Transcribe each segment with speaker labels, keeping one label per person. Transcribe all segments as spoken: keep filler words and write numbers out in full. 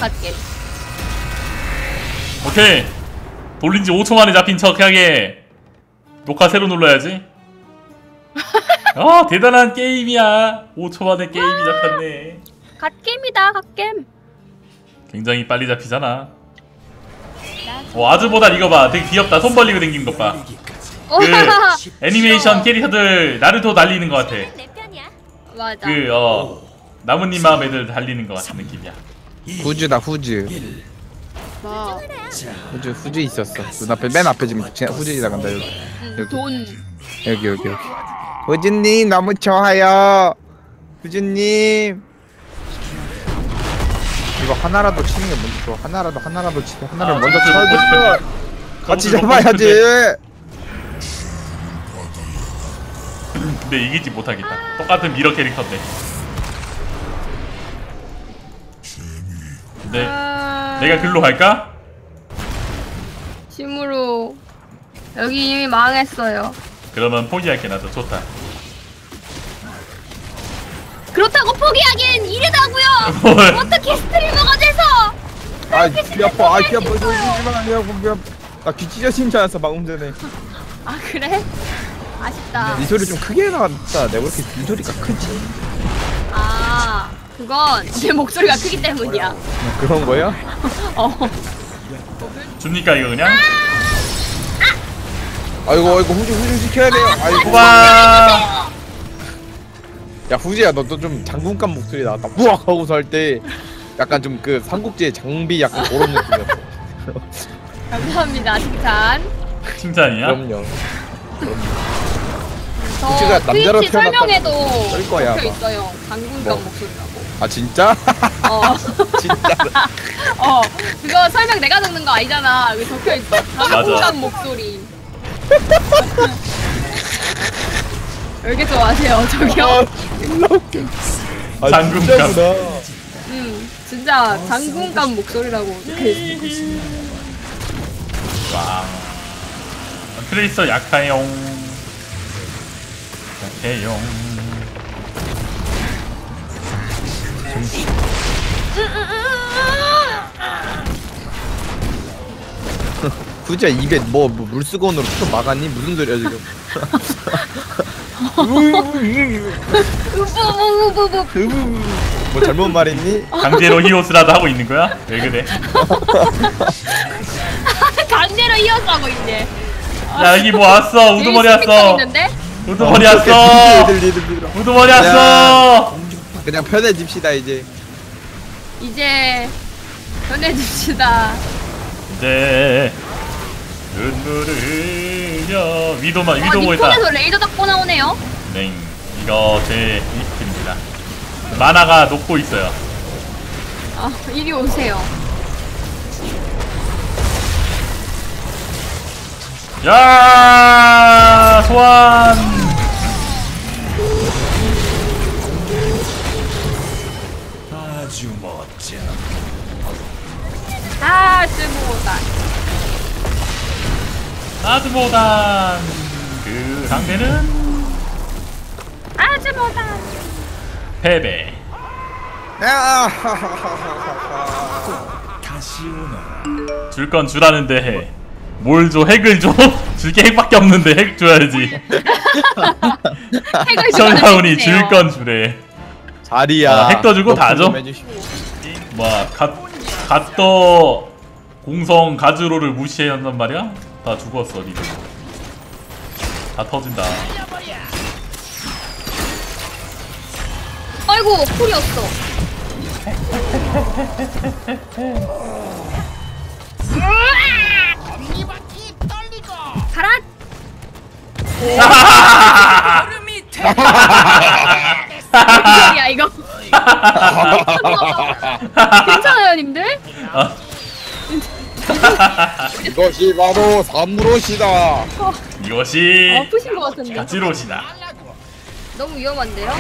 Speaker 1: 갓겜.
Speaker 2: 오케이. 돌린지 오 초 만에 잡힌 척하게 녹화 새로 눌러야지. 어 대단한 게임이야. 오 초 만에 게임이 잡혔네.
Speaker 1: 갓겜이다 갓겜.
Speaker 2: 굉장히 빨리 잡히잖아. 어 아즈보다 이거 봐. 되게 귀엽다. 손 벌리고 댕기는 것 봐. 그 애니메이션 캐릭터들 나루토 달리는 것 같아.
Speaker 1: 맞아.
Speaker 2: 그 어 나뭇잎 마음 애들 달리는 것 같은 느낌이야.
Speaker 3: 후즈다 후즈.
Speaker 1: 뭐.
Speaker 3: 후즈 후즈 있었어. 눈앞에 맨 앞에 지금 후즈 지나간다 여기.
Speaker 1: 음,
Speaker 3: 여기.
Speaker 1: 돈.
Speaker 3: 여기 여기 여기. 후즈님 너무 좋아요. 후즈님. 이거 하나라도 치는 게 먼저 좋아. 하나라도 하나라도 치고 하나를
Speaker 2: 아,
Speaker 3: 먼저
Speaker 2: 저도
Speaker 3: 쳐야
Speaker 2: 먹고 싶은데.
Speaker 3: 돼. 같이
Speaker 2: 저도 먹고
Speaker 3: 잡아야지.
Speaker 2: 근데 이기지 못하겠다. 똑같은 미러 캐릭터인데. 근데
Speaker 1: 아...
Speaker 2: 내가 글로 갈까?
Speaker 1: 심으로 여기 이미 망했어요.
Speaker 2: 그러면 포기할게. 나도 좋다.
Speaker 1: 그렇다고 포기하기엔 이르다고요.
Speaker 2: 뭘?
Speaker 1: 어떻게 스트리머가 돼서?
Speaker 3: 아귀 아파. 아귀 아파. 조심히만 귀 아파. 귀 아파. 나귀 찢어진 줄 알았어 방금 전에.
Speaker 1: 아 그래? 아쉽다.
Speaker 3: 네 소리 좀 크게 나왔다. 내가 왜 이렇게 네 소리가 크지?
Speaker 1: 아 그건 내 목소리가 크기 때문이야.
Speaker 3: 그런 거야?
Speaker 1: 어.
Speaker 2: 줍니까 이거 그냥?
Speaker 3: 아이고 아이고 후지 후지 지켜야 돼요. 아이고.
Speaker 2: 와.
Speaker 3: 야 후지야 너 또 좀 장군감 목소리 나왔다. 우악 하고서 할 때 약간 좀 그 삼국지의 장비 약간 그런 느낌이었어.
Speaker 1: 감사합니다 칭찬.
Speaker 2: 칭찬이야?
Speaker 3: 그럼요.
Speaker 1: 저
Speaker 3: 후지가 남자로
Speaker 1: 트위치
Speaker 3: 태어났다고
Speaker 1: 설명에도
Speaker 3: 썰 거야,
Speaker 1: 적혀
Speaker 3: 아마.
Speaker 1: 있어요. 장군감
Speaker 3: 뭐?
Speaker 1: 목소리라고.
Speaker 3: 아 진짜?
Speaker 1: 어.
Speaker 3: 진짜?
Speaker 1: 어 그거 설명 내가 적는 거 아니잖아. 여기 적혀 있어. 장군감 목소리. 왜 이렇게 좋아하세요 저기요?
Speaker 3: 존나 웃겨. 아
Speaker 2: 장군감.
Speaker 3: 진짜구나.
Speaker 1: 음 진짜 장군감 목소리라고 적혀 있어.
Speaker 2: 와. 트레이서 약해용. 약해용.
Speaker 3: 후지야 입에 뭐, 뭐 물수건으로 쳐 막았니? 무슨 소리야 지금?
Speaker 1: 우부부부부.
Speaker 3: 뭐 잘못 말했니?
Speaker 2: 강제로 히오스라도 하고 있는 거야? 왜 그래?
Speaker 1: 강제로 이어서 하고 있네.
Speaker 2: 야 여기 뭐 왔어. 우두머리 왔어. 우두머리 왔어.
Speaker 3: 얘들 얘들 얘들.
Speaker 2: 우두머리 왔어.
Speaker 3: 그냥 편해집시다 이제.
Speaker 1: 이제 전해줍시다.
Speaker 2: 이제 눈물을 흘려. 위도만
Speaker 1: 어,
Speaker 2: 위도 보였다.
Speaker 1: 니폰에서 레이저 닦고 나오네요.
Speaker 2: 네, 이거 제 리스트입니다. 만화가 녹고 있어요.
Speaker 1: 아 이리 오세요.
Speaker 2: 야 소환. 아주 멋져.
Speaker 1: 아 쓸모없다.
Speaker 2: 아주 못한 그 상대는
Speaker 1: 아주 못한.
Speaker 2: 패배.
Speaker 3: 다시
Speaker 2: 줄 건 주라는데 뭘 줘? 핵을 줘? 줄 게 핵밖에 없는데 핵 줘야지.
Speaker 1: 핵을
Speaker 2: 시청자분이 줄 건 주래.
Speaker 3: 자리야.
Speaker 2: 아, 핵도 주고 다 줘? 뭐 갓, 갓더 공성 가즈로를 무시한단 말이야? 다 죽었어 니들. 다 터진다.
Speaker 1: 아이고 쿨이었어. 가라. 무슨 소리야 이거? 괜찮아요 님들?
Speaker 2: 아,
Speaker 3: 이것이 바로 삼무로시다.
Speaker 2: 이것이
Speaker 1: 아프신 것 같은데.
Speaker 2: 가지로시다.
Speaker 1: 너무 위험한데요?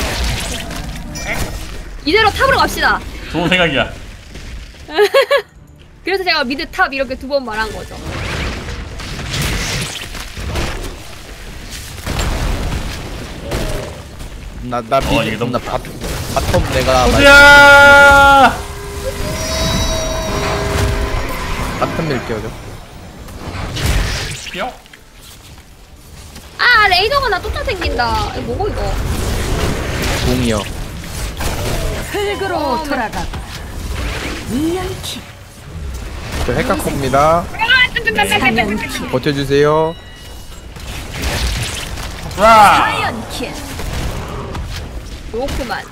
Speaker 1: 이대로 탑으로 갑시다.
Speaker 2: 좋은 생각이야.
Speaker 1: 그래서 제가 미드 탑 이렇게 두 번 말한 거죠.
Speaker 3: 나나
Speaker 2: 어, 이게
Speaker 3: 미드
Speaker 2: 너무
Speaker 3: 나 바, 바텀 내가
Speaker 2: 호수야!
Speaker 3: 같은 밀 끼워줘.
Speaker 2: 뿅.
Speaker 1: 아 레이더가 나 쫓아생긴다. 이거 뭐고 이거?
Speaker 3: 공이요.
Speaker 4: 흙으로 돌아가. 인연키.
Speaker 3: 저 핵각입니다.
Speaker 4: 사연키.
Speaker 3: 버텨주세요.
Speaker 2: 와.
Speaker 4: 사연키.
Speaker 1: 요크만.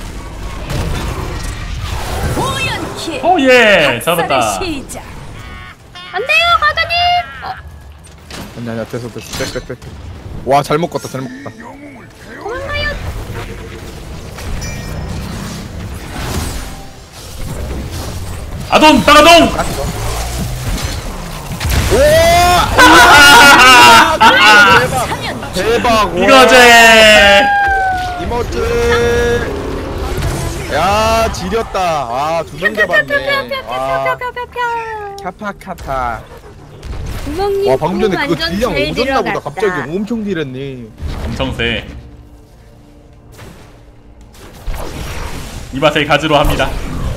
Speaker 4: 오연키.
Speaker 2: 오예 잡았다.
Speaker 4: 학살의 시작.
Speaker 1: 안 돼요 과장님. 어,
Speaker 3: 아니 아니야 됐어 됐어 됐어 됐어. 와 잘못 껐다 잘못 껐다.
Speaker 1: 도망가요.
Speaker 2: 아돈 따가동.
Speaker 3: 오! 대박! 대박! 와.
Speaker 2: 이거지.
Speaker 3: 이모트! 야 지렸다. 아두 명 잡았네. 와 카파카타.
Speaker 1: 구멍님
Speaker 3: 와 방금 전에 그거
Speaker 1: 완전
Speaker 3: 딜량
Speaker 1: 잘
Speaker 3: 오졌나 보다.
Speaker 1: 들어갔다.
Speaker 3: 갑자기 엄청 딜했네.
Speaker 2: 엄청 세. 이 맛에 가지로 합니다.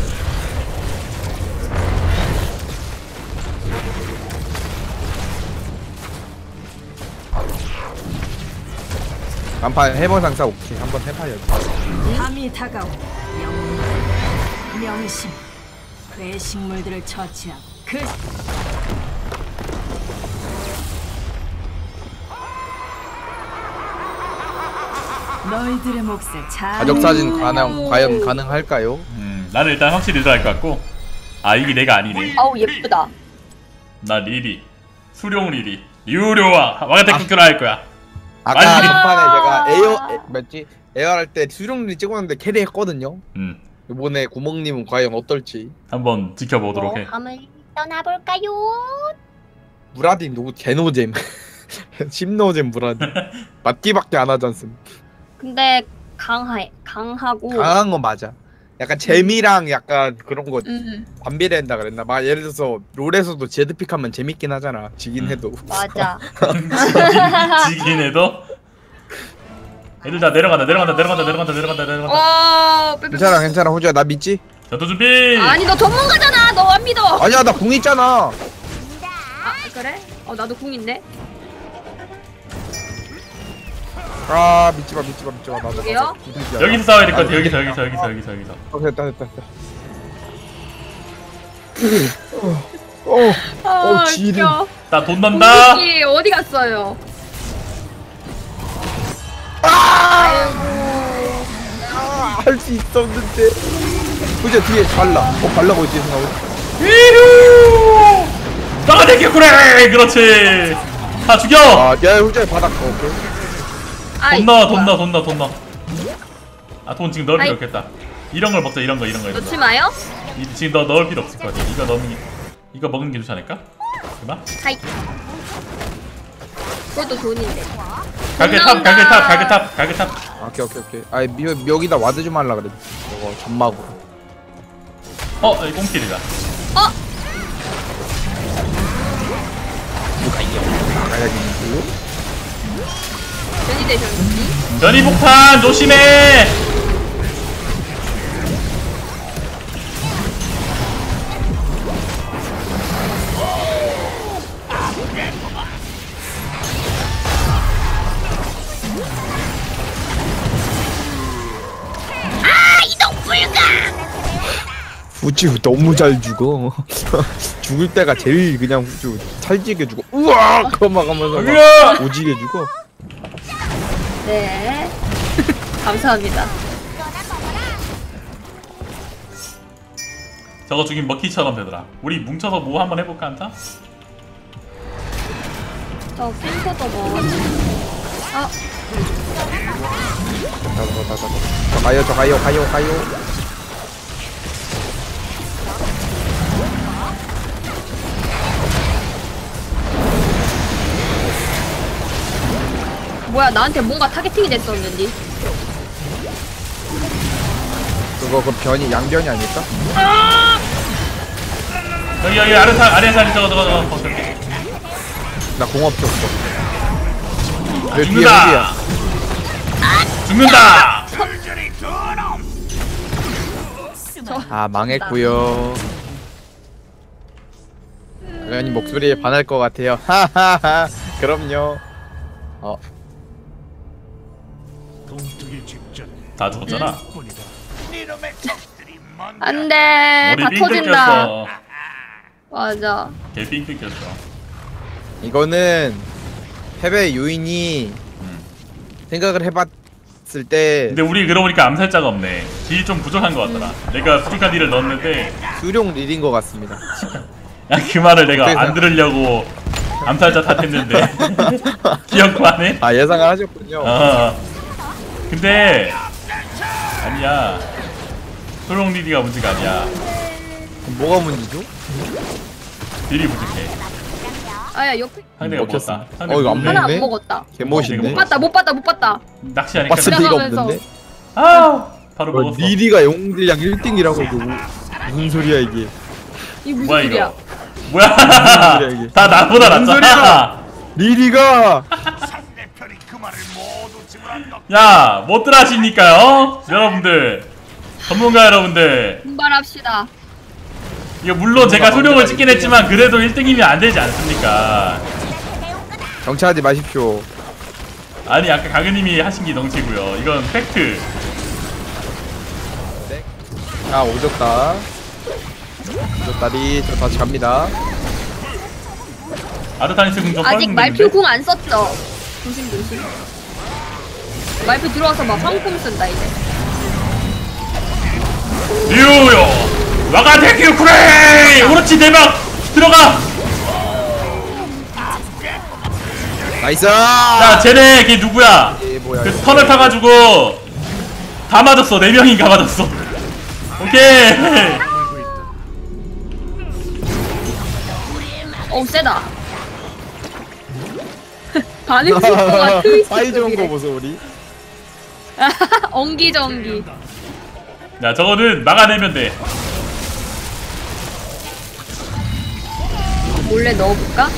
Speaker 3: 간판 해본 상사 오케이 한번 해봐야지.
Speaker 4: 밤이 다가오. 영웅. 명심. 괴식물들을 처치하고 그 너희들의 몫을 잘
Speaker 3: 가족 사진 가능 과연 가능할까요?
Speaker 2: 음, 나는 일단 확실히 들어갈 것 같고. 아 이게 내가 아니네.
Speaker 1: 아우 예쁘다.
Speaker 2: 나 리리, 수룡 리리, 유료와 와가테쿠큐라 할 거야.
Speaker 3: 아까
Speaker 2: 많이
Speaker 3: 간판에 제가 에어 에, 뭐지 에어 할 때 수령님 찍었는데 캐리했거든요.
Speaker 2: 음,
Speaker 3: 이번에 구멍님은 과연 어떨지.
Speaker 2: 한번 지켜보도록 해.
Speaker 1: 함을 떠나볼까요?
Speaker 3: 무라딘 누구 개노잼 심노잼 무라딘 맞기밖에 안 하지 않습니까?
Speaker 1: 근데 강해 강하고.
Speaker 3: 강한 건 맞아. 약간 재미랑 약간 그런 거
Speaker 1: 음
Speaker 3: 반비례한다 그랬나? 막 예를 들어서 롤에서도 제드픽하면 재밌긴 하잖아. 지긴
Speaker 2: 음.
Speaker 3: 해도.
Speaker 1: 맞아.
Speaker 2: 지긴, 지긴 해도. 애들 다 내려간다, 내려간다, 내려간다, 내려간다, 내려간다, 내려간다.
Speaker 1: 어. 빼빼.
Speaker 3: 괜찮아 괜찮아 호주야 나 믿지?
Speaker 2: 전투 준비.
Speaker 1: 아니 너 전문가잖아. 너 안 믿어.
Speaker 3: 아니야 나 궁 있잖아.
Speaker 1: 아 그래? 어 나도 궁인데.
Speaker 3: 아 믿지 마 믿지 마 믿지 마 나도.
Speaker 1: 여기요?
Speaker 3: 나도.
Speaker 2: 여기서 싸워야 될 것 같아. 여기서, 여기서, 여기서, 여기서, 여기서.
Speaker 3: 어, 됐다 됐다 됐다. 어, 어,
Speaker 1: 아
Speaker 3: 어, 지름.
Speaker 1: 웃겨.
Speaker 2: 나 돈 난다.
Speaker 1: 공격기 어디 갔어요?
Speaker 3: 아, 할 수 있었는데. 후자 뒤에 발라. 어 발라고 있지 생각해.
Speaker 2: 위후. 와가테쿠쿠라. 그렇지. 다 죽여.
Speaker 3: 아, 야 후자 바닥. 어, 오케이.
Speaker 1: 아이,
Speaker 2: 돈 넣어, 돈
Speaker 1: 뭐야.
Speaker 2: 넣어, 돈 넣어, 돈 넣어. 아, 돈 지금 넣을 필요
Speaker 1: 아이.
Speaker 2: 없겠다. 이런 걸 먹자, 이런 거, 이런 거. 이런 거.
Speaker 1: 놓지 마요.
Speaker 2: 이, 지금 너 넣을 필요 없을 것 같아. 이거 넣는 게, 이거 먹는 게 좋지 않을까? 그만.
Speaker 1: 하이. 그것도 돈인데.
Speaker 2: 갈게 탑, 갈게 탑, 갈게 탑, 갈게 탑.
Speaker 3: 아, 오케이 오케이 오케이. 아, 미, 여기다 와드 좀 하려 그래. 이거 점막으로.
Speaker 2: 어, 이 꽁킬이다.
Speaker 1: 어?
Speaker 3: 누가 이겨? 나가야지.
Speaker 1: 변이 되셨는지?
Speaker 2: 전이 폭탄 조심해.
Speaker 3: 후추 너무 잘 죽어. 죽을 때가 제일 그냥 후추 찰지게 죽어. 우와! 그거 막 하면서
Speaker 2: 으아!
Speaker 3: 막 오지게 죽어.
Speaker 1: 네. 감사합니다.
Speaker 2: 저거 죽인 먹기처럼 되더라. 우리 뭉쳐서 뭐 한번 해볼까 한타?
Speaker 1: 저 펜서도 뭐. 아,
Speaker 3: 다다다다다. 저 가요 저 가요 가요 가요.
Speaker 1: 뭐야, 나한테 뭔가 타겟팅이 됐었는지.
Speaker 3: 그거 그 변이 양변이 아닐까?
Speaker 2: 여기 여기 아래 사 아래 사리 저거 저거 저거. 어, 저기.
Speaker 3: 나 공업도 없어.
Speaker 2: 아,
Speaker 3: 내 뒤에
Speaker 2: 죽는다.
Speaker 3: 후지야.
Speaker 2: 죽는다.
Speaker 3: 아 망했고요. 당연히 목소리에 반할 것 같아요. 하하하. 그럼요. 어.
Speaker 2: 다 죽었잖아.
Speaker 1: 안돼
Speaker 2: 머리
Speaker 1: 다
Speaker 2: 삥
Speaker 1: 터진다.
Speaker 2: 뜯겼어.
Speaker 1: 맞아.
Speaker 2: 개삥 뜯겼어.
Speaker 3: 이거는 패배 요인이
Speaker 2: 음.
Speaker 3: 생각을 해봤을 때
Speaker 2: 근데 우리 그러고 보니까 암살자가 없네. 딜이 좀 부족한 것 같더라. 내가 부족한 딜을 넣었는데
Speaker 3: 수룡 릴인 것 같습니다.
Speaker 2: 야, 그 말을 내가
Speaker 3: 어떻게
Speaker 2: 안 들으려고 암살자 탓했는데 기억도 안 해?
Speaker 3: 아 예상을 하셨군요.
Speaker 2: 어. 근데 아니야. 소룡 리디가 문제가 아니야.
Speaker 3: 그럼 뭐가 문제죠?
Speaker 2: 딜이 부족해.
Speaker 1: 아야 옆에
Speaker 2: 상대가
Speaker 3: 먹혔어.
Speaker 2: 먹었다. 상대
Speaker 3: 어, 이거 안
Speaker 2: 먹네.
Speaker 1: 하나
Speaker 3: 먹네?
Speaker 1: 안 먹었다.
Speaker 3: 개멋있네.
Speaker 1: 못 봤다 못 봤다 못 봤다.
Speaker 2: 낚시하니까
Speaker 3: 봤을
Speaker 2: 그냥-
Speaker 3: 리가
Speaker 1: 지나가면서.
Speaker 3: 없는데.
Speaker 2: 아 바로
Speaker 3: 어,
Speaker 2: 먹었어.
Speaker 3: 니리가 영웅들량 일 등이라고 이거 무슨 소리야 이게?
Speaker 1: 이 무슨
Speaker 2: 뭐야
Speaker 1: 소리야?
Speaker 2: 이거? 뭐야?
Speaker 3: 소리야, 이게?
Speaker 2: 다 나보다
Speaker 3: 무슨
Speaker 2: 낫잖아.
Speaker 3: 리리가
Speaker 2: 야, 못들 하십니까요? 여러분들, 전문가 여러분들.
Speaker 1: 분발합시다.
Speaker 2: 이거 물론 제가 소룡을 찍긴 했지만 그래도 일 등이면 안 되지 않습니까?
Speaker 3: 정치하지 마십시오.
Speaker 2: 아니 아까 가그님이 하신 게 덩치고요. 이건 팩트.
Speaker 3: 자 오졌다. 오졌다리 저 다시 갑니다.
Speaker 2: 아르타니스 궁좀
Speaker 1: 아직 말표 궁 안 썼죠? 조심 조심. 말표 들어와서 막 황금 쓴다 이제.
Speaker 2: 류요 와가테큐 쿠레이 오로치 대박 들어가.
Speaker 3: 나이스.
Speaker 2: 야 쟤네 걔 누구야?
Speaker 3: 예, 뭐야,
Speaker 2: 그
Speaker 3: 이거.
Speaker 2: 턴을 타가지고 다 맞았어. 네 명인가 맞았어. 오케이.
Speaker 1: 어우 세다. 반응 속도가 트위스트.
Speaker 3: 사이 좋은 거 보소 우리.
Speaker 1: 엉기정기.
Speaker 2: 야 저거는 막아내면 돼.
Speaker 1: 몰래 넣어볼까?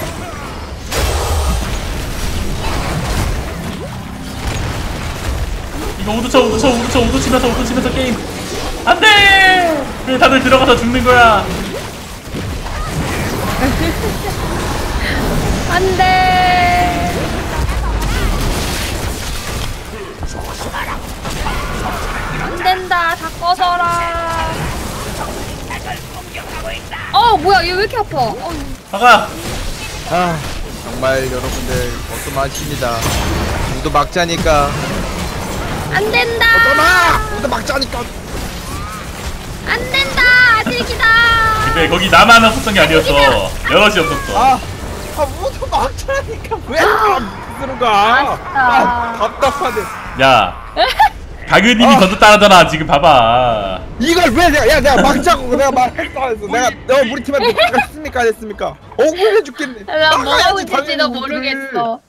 Speaker 2: 이거 우드 쳐 우드 쳐 우드 쳐 우드 치면서 우드 치면서 게임 안돼. 왜 다들 들어가서 죽는 거야?
Speaker 1: 안돼. 안 된다. 다 꺼져라. 어 뭐야 얘 왜 이렇게 아파? 어,
Speaker 2: 막아.
Speaker 3: 아 정말 여러분들 어떠마십니다. 모두 막자니까.
Speaker 1: 안 된다.
Speaker 3: 어떠마. 모두 막자니까.
Speaker 1: 안 된다. 아직이다.
Speaker 2: 근데 거기 나만 없었던 게 아니었어. 여럿이 없었어.
Speaker 3: 아, 아 모두 막자니까 왜안 들어가?
Speaker 1: 아쉽다.
Speaker 3: 아 답답하네.
Speaker 2: 야 가그님이
Speaker 3: 아.
Speaker 2: 먼저 따라잖아. 지금 봐봐.
Speaker 3: 이걸 왜 내가 야 내가 막자고 내가 말했어 안 했어. 내가 내가 우리 팀한테 뭐가 했습니까 안 했습니까? 억울해 죽겠네.
Speaker 1: 나 뭐 하고
Speaker 3: 막아야지,
Speaker 1: 있을지도
Speaker 3: 당연히
Speaker 1: 모르겠어.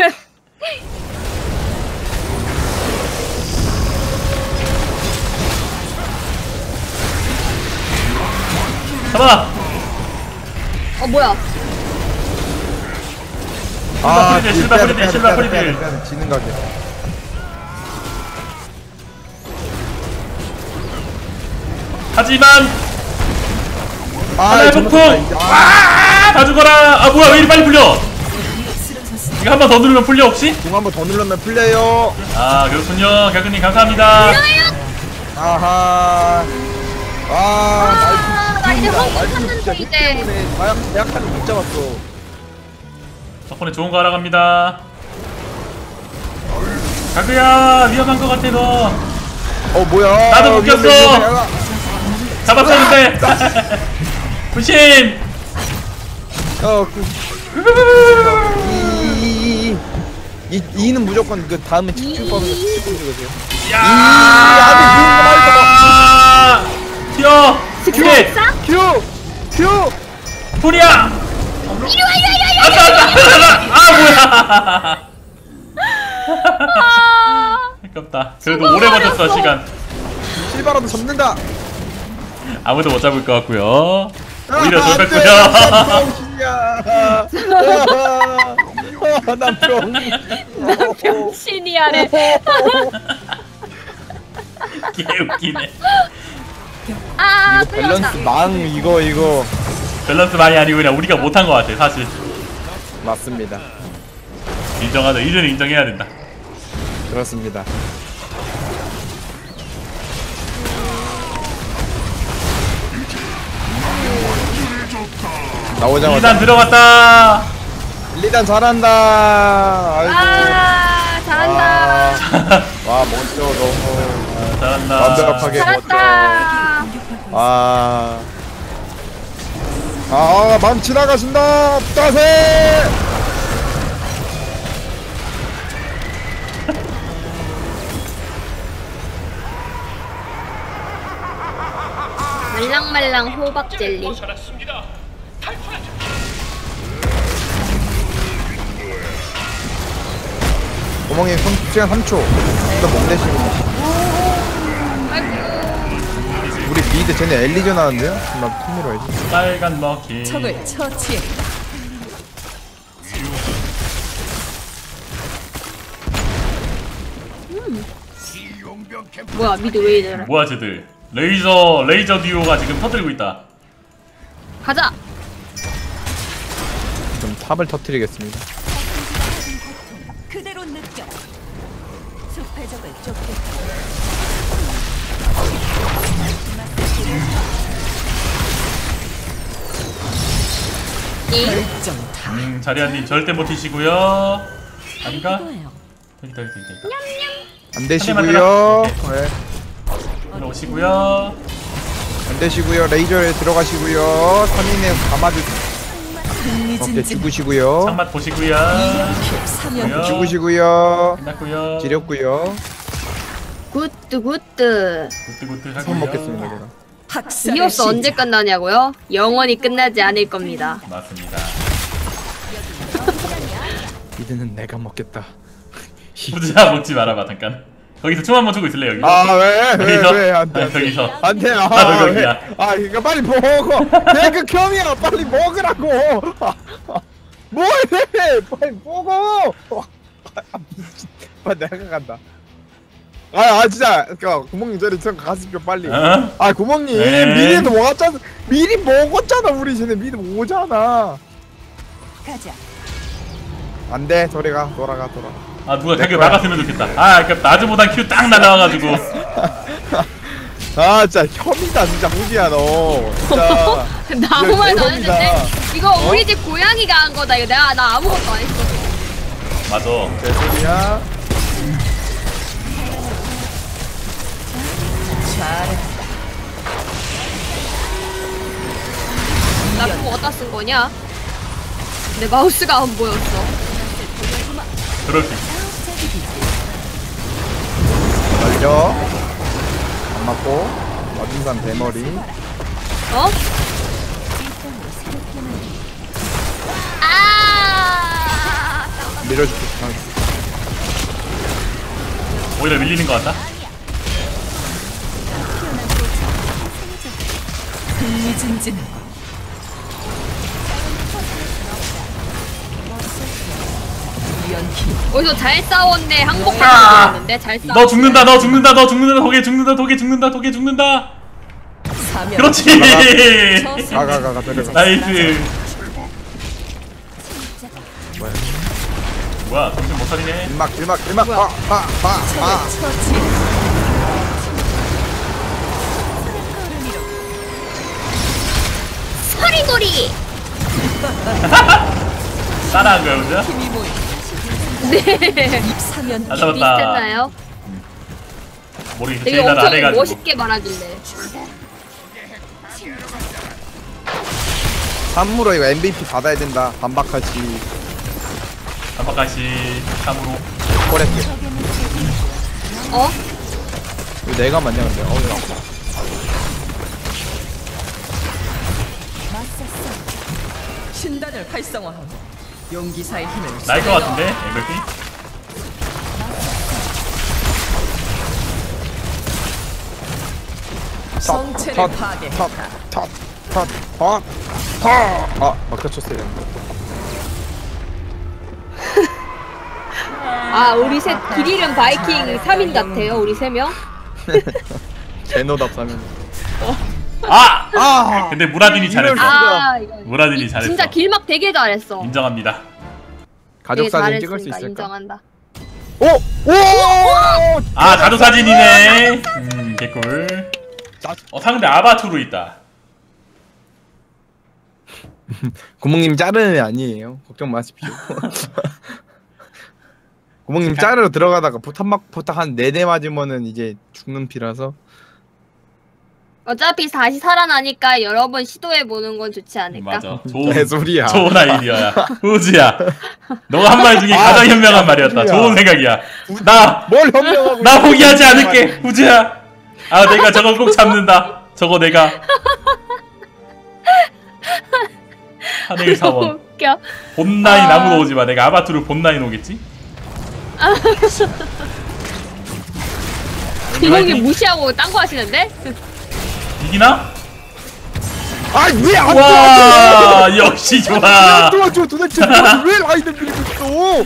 Speaker 2: 잡아.
Speaker 1: 어 뭐야?
Speaker 3: 아,
Speaker 2: 프리딜, 실바
Speaker 3: 빼야 돼,
Speaker 2: 프리딜,
Speaker 3: 빼야 돼,
Speaker 2: 실바
Speaker 3: 빼야 돼,
Speaker 2: 프리딜.
Speaker 3: 빼야 돼, 지는 가게.
Speaker 2: 하지만
Speaker 3: 아,
Speaker 2: 하나의
Speaker 3: 이거
Speaker 2: 폭풍.
Speaker 3: 잘못했다, 이제. 아,
Speaker 2: 아, 다 죽어라. 아 뭐야 왜 이리 빨리 풀려? 이거 한 번 더 누르면 풀려 혹시?
Speaker 3: 공 한 번 더 누르면 풀려요.
Speaker 2: 아 그렇군요. 가그님 감사합니다.
Speaker 3: 아하. 아,
Speaker 1: 아, 나 이제
Speaker 3: 날씨
Speaker 1: 한국
Speaker 3: 진짜
Speaker 1: 탔는데
Speaker 3: 힘
Speaker 1: 이제.
Speaker 3: 때문에 마약 대학까지 못 잡았어.
Speaker 2: 덕분에 좋은 거 알아갑니다. 가그야 위험한 거 같아 너.
Speaker 3: 어 뭐야?
Speaker 2: 나도 묶였어.
Speaker 3: 위험해, 위험해.
Speaker 2: 잡았었는데. 부신.
Speaker 3: 어, 그, 이, 이, 이, 이는 무조건 그 다음에 집중 법에서 집중 적으세요.
Speaker 2: 야.
Speaker 3: 아,
Speaker 2: 튀어. 오케이.
Speaker 3: 큐, 큐.
Speaker 2: 풀이야.
Speaker 1: 이리 와 이리 와 이리 와.
Speaker 2: 아싸 아싸 아싸. 아 뭐야.
Speaker 1: 아,
Speaker 2: 아깝다. 그래도 오래 버텼어 시간.
Speaker 3: 실바라도 접는다.
Speaker 2: 아무도 못 잡을 것 같고요. 오히려
Speaker 3: 아, 안 돼,
Speaker 2: 좁혔고요.
Speaker 3: 난 병신이야. 난 병.
Speaker 1: 병신이야래.
Speaker 2: 개 웃기네.
Speaker 1: 아
Speaker 3: 이거 밸런스
Speaker 1: 끌렸다.
Speaker 3: 망 이거 이거
Speaker 2: 밸런스 많이 아니고 그냥 우리가 못한 것 같아 사실.
Speaker 3: 맞습니다.
Speaker 2: 인정하자. 이제는 인정해야 된다.
Speaker 3: 그렇습니다. 나오자마자
Speaker 2: 일단 들어갔다.
Speaker 3: 일, 이 단 잘한다. 아이고.
Speaker 1: 아 잘한다.
Speaker 3: 와 멋져 너무
Speaker 2: 아, 잘한다.
Speaker 3: 완벽하게 멋져.
Speaker 1: 잘한다.
Speaker 3: 아. 아, 맘 지나가신다. 따세.
Speaker 1: 말랑말랑 호박 젤리.
Speaker 3: 구멍이 시간 삼 초. 이거 멍대시고.
Speaker 1: 아이고.
Speaker 3: 우리 미드 쟤네 엘리전 하는데요? 나 톱으로 해야지.
Speaker 2: 빨간 머키.
Speaker 4: 적을 처치했다.
Speaker 1: 뭐야 미드 왜 이래?
Speaker 2: 뭐야 쟤들. 레이저 레이저 듀오가 지금 터뜨리고 있다.
Speaker 1: 가자.
Speaker 3: 좀 탑을 터뜨리겠습니다.
Speaker 4: 그대로 느껴. 숲의 적을 쫓겠다. 결정 다.
Speaker 2: 음, 자리아님 절대 못 튀시고요. 아닌가?
Speaker 4: 이거예요.
Speaker 2: 여기다 여기다 여기다.
Speaker 3: 안 되시고요. 네.
Speaker 2: 들어오시고요.
Speaker 3: 안 되시고요. 레이저에 들어가시고요. 삼 인에 감아주세요. 오케이 죽으시고요.
Speaker 2: 상맛 보시고요.
Speaker 4: 삼연
Speaker 2: 뭐야?
Speaker 3: 죽으시고요.
Speaker 2: 끝났고요.
Speaker 3: 지렸고요.
Speaker 1: 굿드 굿드.
Speaker 2: 굿뜨굿뜨
Speaker 3: 처음
Speaker 2: 하고요.
Speaker 3: 먹겠습니다. 제가.
Speaker 4: 학살의
Speaker 1: 이어스
Speaker 4: 시작.
Speaker 1: 언제 끝나냐고요? 영원히 끝나지 않을 겁니다.
Speaker 2: 맞습니다.
Speaker 3: 미드는 내가 먹겠다.
Speaker 2: 부자 먹지 말아봐 잠깐. 거기서 춤 한번 추고 있을래 여기?
Speaker 3: 아 왜? 왜?
Speaker 2: 여기서?
Speaker 3: 왜? 안 돼.
Speaker 2: 아, 거기서.
Speaker 3: 안 돼. 아,
Speaker 2: 나도
Speaker 3: 왜?
Speaker 2: 거기야.
Speaker 3: 아, 이거 빨리 먹어. 내가 겸이야. 빨리 먹으라고. 아, 아, 뭐해? 빨리 먹어. 아, 미친. 빨리 내가 간다. 아, 아 진짜. 그니까 구멍님 저리 좀 가십시오 빨리.
Speaker 2: 어?
Speaker 3: 아, 구멍님
Speaker 2: 네.
Speaker 3: 미리도 먹었잖아. 미리 먹었잖아. 우리 쟤네 미리 오잖아.
Speaker 4: 가자.
Speaker 3: 안 돼. 저리 가. 돌아가. 돌아가.
Speaker 2: 아 누가
Speaker 3: 내
Speaker 2: 자기
Speaker 3: 거야.
Speaker 2: 막았으면 좋겠다. 아 아깝다. 아즈보단 큐 딱 날라와가지고.
Speaker 3: 아, 진짜 혐이다 진짜 후지야 너. 진짜.
Speaker 1: 나 아무 말도 안
Speaker 3: 대박이다.
Speaker 1: 했는데 이거 우리 집 고양이가 한 거다. 이거 내가 나 아무것도 안 했어.
Speaker 2: 맞아.
Speaker 3: 제 소리야.
Speaker 4: 잘했다.
Speaker 1: 나 그거 어디다 쓴 거냐? 내 마우스가 안 보였어.
Speaker 2: 그럴 수 있어.
Speaker 3: 걸려. 안 맞고. 맞은 사람 대머리.
Speaker 1: 어? 아!
Speaker 3: 밀어줄게.
Speaker 2: 오히려 밀리는 것 같다.
Speaker 4: 흥미진진하고. 연기.
Speaker 1: 어디서 잘 싸웠네. 항복하는 거였는데 잘 싸웠네.
Speaker 2: 너 죽는다. 너 죽는다. 너 죽는다. 독에 죽는다. 독에 죽는다. 독에 죽는다.
Speaker 4: 사면.
Speaker 2: 그렇지.
Speaker 3: 가가가가 데려가.
Speaker 2: 나이스.
Speaker 3: 뭐야?
Speaker 2: 뭐야? 정신 못 차리네.
Speaker 3: 길막 길막 길막. 아아아
Speaker 4: 처치.
Speaker 1: 서리고리!
Speaker 2: 따라한 거야 혼자?
Speaker 4: 힘이 모이.
Speaker 1: 네.
Speaker 4: 입사면.
Speaker 2: 잘 잡았다.
Speaker 1: 비슷했나요?
Speaker 2: 모르겠어.
Speaker 1: 되게
Speaker 2: 제일 날
Speaker 1: 엄청
Speaker 2: 안해가지고.
Speaker 1: 멋있게 말하길래.
Speaker 3: 삼무로 이거 엠브이피 받아야 된다. 반박하지.
Speaker 2: 단박가시 참으로.
Speaker 3: 코레트.
Speaker 1: 어?
Speaker 3: 이거 내가 맞냐 근데. 어 이거.
Speaker 4: 신단을 활성화하고 용기사의 힘을
Speaker 2: 나일 것 같은데 엠브이피?
Speaker 4: 성체를 파괴했다.
Speaker 3: 탑탑탑탑탑. 아 막혀쳤어야 되는데.
Speaker 1: 아, 우리 셋 길 잃은 바이킹 삼 인 같아요. 우리 세 명.
Speaker 3: 제노답 사면.
Speaker 2: 아!
Speaker 3: 아
Speaker 2: 근데 무라딘이 잘했어.
Speaker 1: 아 이거
Speaker 2: 무라딘이 잘했어.
Speaker 1: 진짜 길막 되게 잘했어.
Speaker 2: 인정합니다.
Speaker 3: 가족
Speaker 1: 되게
Speaker 3: 사진 찍을 수
Speaker 1: 잘했으니까
Speaker 3: 있을까?
Speaker 1: 인정한다.
Speaker 3: 오! 오!
Speaker 2: 아 가족 사진이네. 음 개꿀. 어 상대 아바투로 있다.
Speaker 3: 구멍님 자르는 애 아니에요. 걱정 마십시오. 구멍님 자르러 들어가다가 포탑 막 포탑 한 네 대 맞으면은 이제 죽는 피라서.
Speaker 1: 어차피 다시 살아나니까 여러 번 시도해 보는 건 좋지 않을까?
Speaker 2: 맞아. 좋은
Speaker 3: 개소리야.
Speaker 2: 좋은 아이디어야. 후지야. 너가 한 말 중에 가장 현명한 말이었다.
Speaker 3: 후지야.
Speaker 2: 좋은 생각이야. 나
Speaker 3: 뭘 현명하고
Speaker 2: 나
Speaker 3: 있어.
Speaker 2: 포기하지 않을게. 후지야. 아 내가 저거 꼭 잡는다. 저거 내가. 하늘 사원.
Speaker 1: 웃겨.
Speaker 2: 본라인
Speaker 1: 아.
Speaker 2: 아무도 오지 마. 내가 아바투르 본라인 오겠지?
Speaker 1: 이형이 무시하고 딴 거 하시는데?
Speaker 2: 이기나?
Speaker 3: 아왜안
Speaker 2: 와 역시 좋아.
Speaker 3: 도와줘 도대체 도와줘. 왜 라인을 밀고 있어?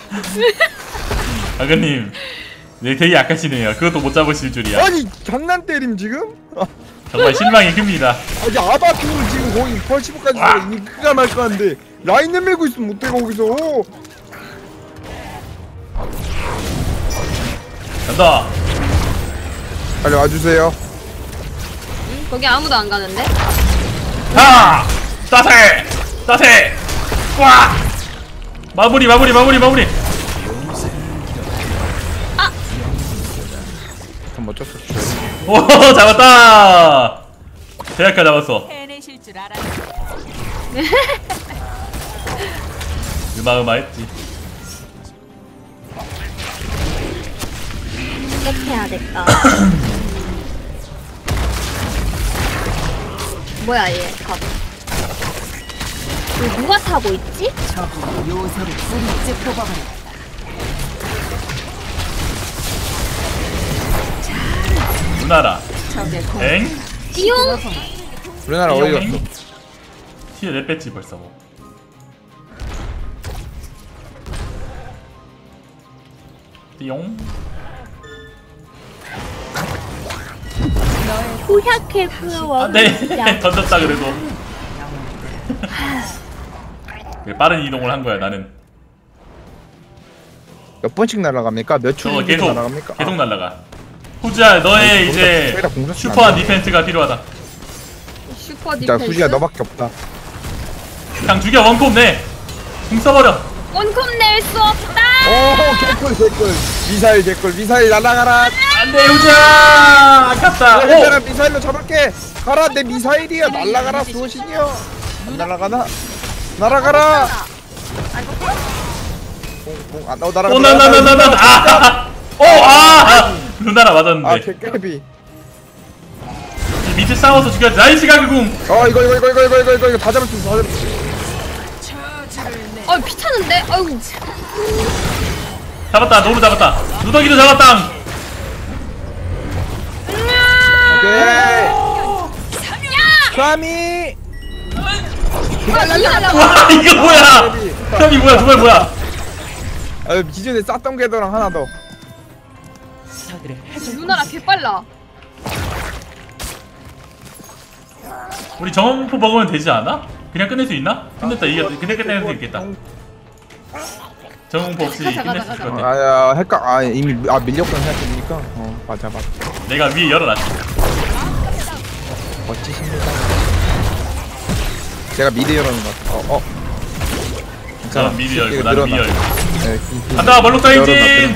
Speaker 2: 아그님, 네 되게 약하시네요. 그것도 못 잡으실 줄이야.
Speaker 3: 아니 장난 때림 지금? 아,
Speaker 2: 정말 실망이 큽니다.
Speaker 3: 아니 아바투를 지금 거의 펄시브까지 이기가 말까 한데 라인을 밀고 있으면 못해 거기서.
Speaker 2: 간다.
Speaker 3: 빨리 와주세요.
Speaker 1: 응? 거기 아무도 안 가는데?
Speaker 2: 하! 따세! 따세! 와! 마무리 마무리 마무리 마무리.
Speaker 3: 한번 어쩔 수 없어.
Speaker 2: 오 잡았다. 대학가 잡았어.
Speaker 4: 해내실 줄 알았어.
Speaker 2: 으마으마했지.
Speaker 1: 해야겠다. 뭐야 얘 갑. 이거 누가 타고 있지?
Speaker 4: 저거 요새를 뿌리째 뽑아버렸다.
Speaker 2: 누나라.
Speaker 4: 적의 공
Speaker 2: 엥?
Speaker 1: 띠용?
Speaker 3: 우리나라 어디 갔어?
Speaker 2: 티에 내 뺐지 벌써 뭐. 띠용.
Speaker 1: 후약해 그워.
Speaker 2: 안돼. 던졌다 그래도. 그래, 빠른 이동을 한 거야 나는.
Speaker 3: 몇 번씩 날아갑니까? 몇 초
Speaker 2: 저거
Speaker 3: 정도
Speaker 2: 계속
Speaker 3: 날아갑니까?
Speaker 2: 계속 날라가. 후지야 너의
Speaker 3: 아니,
Speaker 2: 이제
Speaker 3: 거기다 공격
Speaker 2: 슈퍼한
Speaker 3: 안 돼.
Speaker 2: 디펜스가 필요하다.
Speaker 1: 슈퍼
Speaker 3: 진짜
Speaker 1: 디펜스.
Speaker 3: 후지야 너밖에 없다.
Speaker 2: 그냥 죽여 원콤 내. 궁 써버려.
Speaker 1: 원콤 낼 수 없다.
Speaker 3: 오 개꿀 개꿀. 미사일 개꿀. 미사일 날아가라.
Speaker 2: 안돼 후지야. 아깝다.
Speaker 3: 얘들아
Speaker 2: 오.
Speaker 3: 미사일로 잡을게. 가라 내 미사일이야. 날아가라 수호신이여. 안 날아가나? 날아가라. 공, 공, 아, 어, 날아가.
Speaker 2: 오나나나나나. 아. 오 아. 누나라
Speaker 3: 아
Speaker 2: 맞았는데.
Speaker 3: 개깨비.
Speaker 2: 밑에 싸워서 죽여. 나이스 가그궁.
Speaker 3: 어 이거 이거 이거 이거 이거 이거 이거 이거 다 잡을 수 있어. 다 잡을 수 있어.
Speaker 1: 어 피차는데? 아이고.
Speaker 2: 잡았다. 노루 잡았다. 누더기도 잡았다.
Speaker 3: 오케이. 삼이.
Speaker 1: 아 이거
Speaker 2: 와 이거 뭐야? 형이 뭐야? 정말 뭐야?
Speaker 3: 아 기존에 쌌던 궤도랑 하나 더.
Speaker 1: 누나라 개빨라.
Speaker 2: 우리 정원포 먹으면 되지 않아? 그냥 끝낼 수 있나? 끝냈다. 이겼. 그냥 끝낼 수 있겠다. 정원포 없이
Speaker 1: 가자,
Speaker 2: 끝낼
Speaker 1: 가자,
Speaker 2: 수 있을
Speaker 1: 가자.
Speaker 2: 것 같아.
Speaker 3: 아야 헷갈. 아 이미 아 밀렸구나 생각해보니까. 어 맞아 맞아.
Speaker 2: 내가 위에 열어놨지.
Speaker 3: 멋지십니다. 제가 미리 열어놓은 것 같아. 어 어.
Speaker 2: 저 미리 열고 나는 미 열고.
Speaker 3: 네, 긴- 긴-
Speaker 2: 간다. 멀록 사이진.
Speaker 3: 열어놨-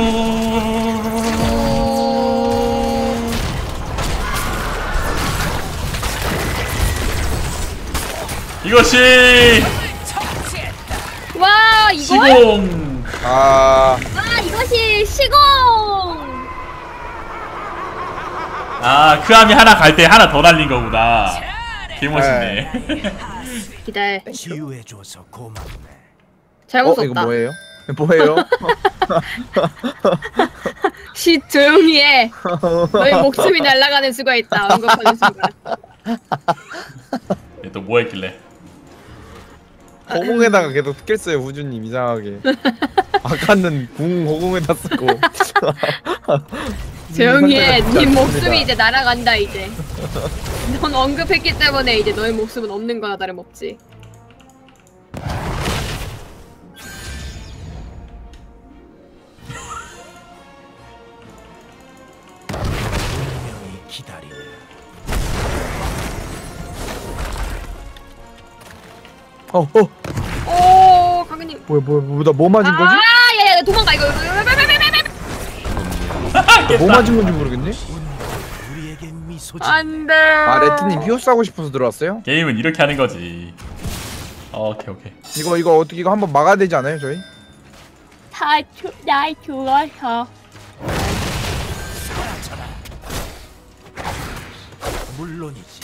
Speaker 2: 이것이
Speaker 1: 와 이거?
Speaker 2: 시공.
Speaker 3: 아
Speaker 1: 아 이것이 시공.
Speaker 2: 아, 그 암이 하나 갈 때 하나 더 날린 거구나. 개멋있네.
Speaker 1: 기다려.
Speaker 5: 치유해줘서 고맙네.
Speaker 1: 잘못
Speaker 3: 어
Speaker 1: 썼다.
Speaker 3: 이거 뭐예요? 뭐예요?
Speaker 1: 시 조용히 해. 너희 목숨이 날아가는 수가 있다. 언급하는 순간.
Speaker 2: 얘 또 뭐 했길래?
Speaker 3: 허공에다가 계속 스킬 써요 후주님 이상하게. 아까는 궁 허공에다 쓰고.
Speaker 1: 조용히 해.
Speaker 3: 선택을
Speaker 1: 네
Speaker 3: 진짜
Speaker 1: 목숨이
Speaker 3: 좋습니다.
Speaker 1: 이제 날아간다 이제. 넌 언급했기 때문에 이제 너의 목숨은 없는 거나 다름없지.
Speaker 5: 운명이 기다리네.
Speaker 3: 어, 어.
Speaker 1: 오, 강현님.
Speaker 3: 뭐야, 뭐야, 뭐야, 나뭐 맞은 거지?
Speaker 1: 아, 야야, 도망가 이거.
Speaker 3: 나뭐 맞은 건지 모르겠네.
Speaker 5: 우리에게 미소지.
Speaker 1: 안돼.
Speaker 3: 아, 레트님 히오스 하고 싶어서 들어왔어요?
Speaker 2: 게임은 이렇게 하는 거지. 어, 오케이 오케이.
Speaker 3: 이거 이거 어떻게 이거 한번 막아야 되지 않아요, 저희?
Speaker 1: 다날 죽어서.
Speaker 5: 물론이지.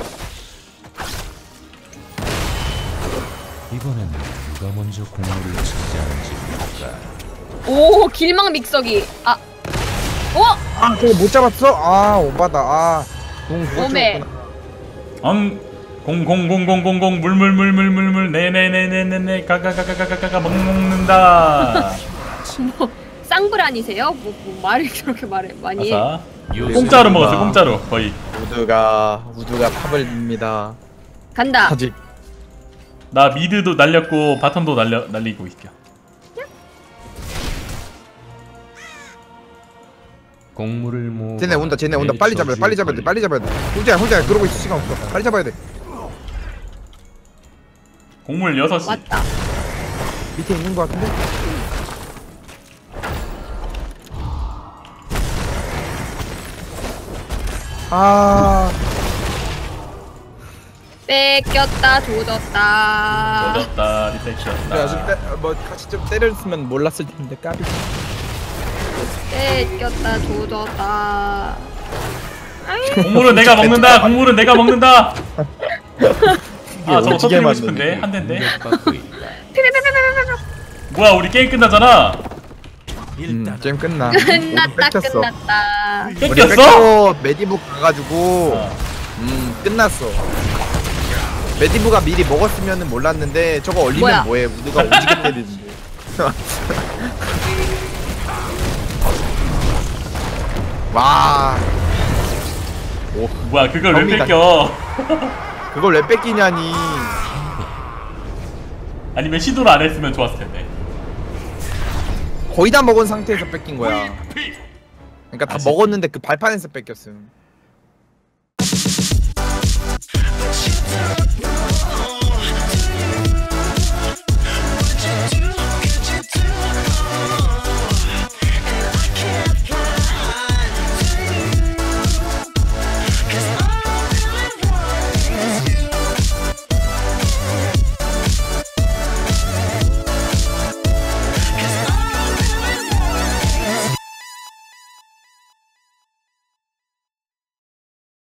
Speaker 6: 이번엔 누가 먼저 공물을 차지하는지 볼까.
Speaker 1: 오, 길막 믹서기. 아, 어?
Speaker 3: 아, 저거 못 잡았어? 아, 오바다. 아, 공 그거
Speaker 1: 오메.
Speaker 3: 찍었구나.
Speaker 2: 엉 공공공공공공공 물물물물물물 네네네네네네 가가가가가가가 먹는다.
Speaker 1: 뭐 쌍불아니세요? 뭐, 뭐 말을 그렇게 말해 많이 해.
Speaker 2: 아싸. 공짜로 먹었어 공짜로 거의.
Speaker 3: 우드가 우드가 탑을 밉니다.
Speaker 1: 간다.
Speaker 3: 아직
Speaker 2: 나 미드도 날렸고 바텀도 날려 날리고 있겨.
Speaker 6: 공물을 모.
Speaker 3: 쟤네 온다. 쟤네 온다. 빨리 잡아야 돼. 빨리 잡아야 돼. 빨리 잡아야 돼. 혼자야, 혼자야. 그러고 있을 시간 없어. 빨리 잡아야 돼.
Speaker 2: 곡물 여섯 시.
Speaker 1: 왔다.
Speaker 3: 밑에 있는 거 같은데? 아,
Speaker 1: 뺏겼다 조졌다.
Speaker 2: 얻었다
Speaker 3: 그래,
Speaker 2: 리셋이었다.
Speaker 3: 아직 때, 뭐 같이 좀 때렸으면 몰랐을 텐데 까비.
Speaker 1: 뺏겼다 조졌다.
Speaker 2: 곡물은 내가 먹는다. 곡물은 내가 먹는다. 아 저거
Speaker 3: 오지게
Speaker 2: 터뜨리고
Speaker 3: 맞네.
Speaker 2: 싶은데 한 대인데.
Speaker 6: 공격받고 있다.
Speaker 2: 뭐야 우리 게임 끝나잖아.
Speaker 3: 음,
Speaker 5: 일단
Speaker 3: 게임 끝나.
Speaker 1: 끝났다
Speaker 3: 뺏겼어.
Speaker 1: 끝났다.
Speaker 3: 우리
Speaker 2: 뺏겼어?
Speaker 3: 뺏고 메디브 가가지고
Speaker 2: 어.
Speaker 3: 음 끝났어. 메디브가 미리 먹었으면은 몰랐는데 저거 얼리면
Speaker 1: 뭐야?
Speaker 3: 뭐해? 우드가 오지게 때리는데. 와,
Speaker 2: 뭐야 그걸 왜
Speaker 3: 접니다.
Speaker 2: 뺏겨?
Speaker 3: 그걸 왜 뺏기냐니.
Speaker 2: 아니면 시도를 안 했으면 좋았을 텐데.
Speaker 3: 거의 다 먹은 상태에서 뺏긴 거야. 그러니까 다
Speaker 2: 아쉽네.
Speaker 3: 먹었는데 그 발판에서 뺏겼음.